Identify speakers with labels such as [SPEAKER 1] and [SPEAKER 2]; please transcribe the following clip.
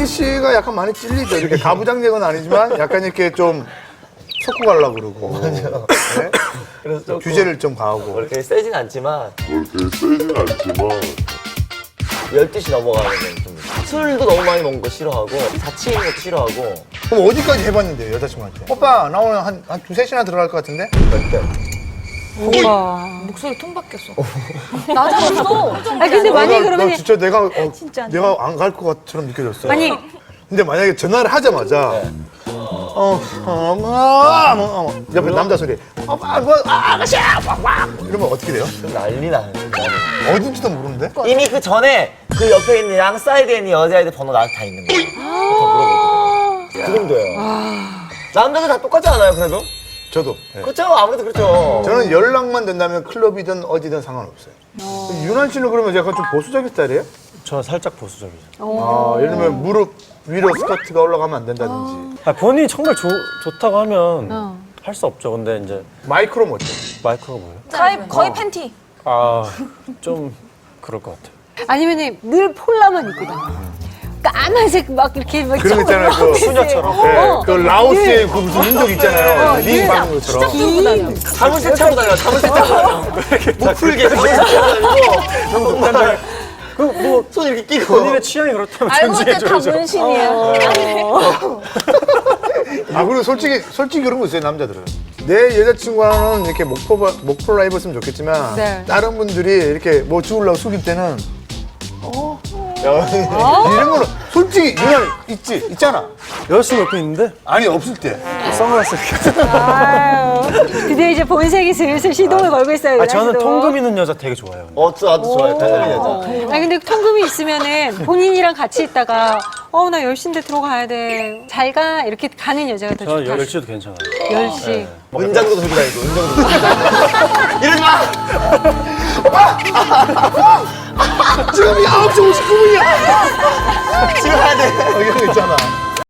[SPEAKER 1] 슬기 씨가 약간 많이 찔리죠. 이렇게 가부장적은 아니지만 약간 이렇게 좀 섞고 가려고 그러고. 네?
[SPEAKER 2] 그래서 좀
[SPEAKER 1] 규제를 좀 가하고.
[SPEAKER 2] 그렇게 세진 않지만
[SPEAKER 3] 그렇게 세진 않지만
[SPEAKER 2] 12시 넘어가면 좀 술도 너무 많이 먹는 거 싫어하고 자취 있는 것도 싫어하고
[SPEAKER 1] 그럼 어디까지 해봤는데요, 여자친구한테? 오빠, 나 오늘 한 두세 시나 들어갈 것 같은데?
[SPEAKER 2] 절대.
[SPEAKER 4] 오빠.
[SPEAKER 5] 목소리 톤 바뀌었어. 낮아졌어.
[SPEAKER 4] 아 근데 만약에
[SPEAKER 1] 나
[SPEAKER 4] 그러면
[SPEAKER 1] 진짜 내가
[SPEAKER 4] 진짜 안
[SPEAKER 1] 내가 안 갈 것 같처럼 느껴졌어.
[SPEAKER 4] 아니
[SPEAKER 1] 근데 만약에 전화를 하자마자 옆에 남자 소리 아가씨야 이러면 어떻게 돼요?
[SPEAKER 2] 좀 난리 나는 거야.
[SPEAKER 1] 어딘지도 모르는데?
[SPEAKER 2] 이미 그 전에 그 옆에 있는 양 사이드에 있는 여자애들 번호 나한테 다 있는 거야. 다 물어보거든. 그 정도예요. 남자들 다 똑같지 않아요, 그래도?
[SPEAKER 1] 저도. 네.
[SPEAKER 2] 그렇죠, 아무래도 그렇죠.
[SPEAKER 1] 저는 연락만 된다면 클럽이든 어디든 상관없어요. 윤환 씨는 그러면 약간 좀 보수적인 스타일이에요?
[SPEAKER 6] 저 살짝 보수적이죠.
[SPEAKER 1] 아, 예를 들면 무릎 위로 스커트가 올라가면 안 된다든지.
[SPEAKER 6] 아, 본인이 정말 좋다고 하면 할 수 없죠. 근데 이제
[SPEAKER 1] 마이크로 멋져.
[SPEAKER 6] 마이크가 뭐예요?
[SPEAKER 5] 거의 팬티.
[SPEAKER 6] 아, 좀 그럴 것 같아요.
[SPEAKER 4] 아니면은 늘 폴라만 입고 다녀. 까만색 막 이렇게 막
[SPEAKER 1] 그런 거 있잖아요. 그
[SPEAKER 6] 수녀처럼.
[SPEAKER 1] 네, 그 라오스의 그 무슨 민족 있잖아요. 링 받는 것처럼.
[SPEAKER 4] 입고 다녀.
[SPEAKER 2] 자물쇠 차고 다녀, 자물쇠 차고 다녀. 못 풀게 자물쇠 차고 다니고.
[SPEAKER 6] 그뭐
[SPEAKER 2] 손 이렇게 끼고.
[SPEAKER 6] 본인의 취향이 그렇다면
[SPEAKER 5] 알고 보니 다
[SPEAKER 6] 존중해줘야죠.
[SPEAKER 5] 문신이야.
[SPEAKER 1] 아, 그리고 솔직히 그런 거 있어요, 남자들은. 내 여자친구와는 이렇게 목폴라 입었으면 좋겠지만,
[SPEAKER 4] 네.
[SPEAKER 1] 다른 분들이 이렇게 뭐 주우려고 숙일 때는, 이런 거는 솔직히 유난 있잖아.
[SPEAKER 6] 여자친구 옆에 있는데
[SPEAKER 1] 아니, 없을 때.
[SPEAKER 6] 선글라스 이렇게.
[SPEAKER 4] 아유, 드디어 이제 본색이 슬슬 시동을 걸고 있어요.
[SPEAKER 6] 아, 저는
[SPEAKER 4] 윤아 씨도.
[SPEAKER 6] 통금 있는 여자 되게 좋아해요.
[SPEAKER 2] 나도 좋아해, 편안한 여자.
[SPEAKER 4] 아 근데 통금이 있으면은 본인이랑 같이 있다가 나 10시인데 들어가야 돼. 잘 가. 이렇게 가는 여자가 더
[SPEAKER 6] 저
[SPEAKER 4] 좋다.
[SPEAKER 6] 10시도 괜찮아요.
[SPEAKER 4] 10시.
[SPEAKER 2] 은장도 들고 다니고, 은장도 들고 다니고. 이러지 마!
[SPEAKER 1] 지금이 9시 59분이야!
[SPEAKER 2] 집에 가야 돼.
[SPEAKER 1] 이런 거 있잖아.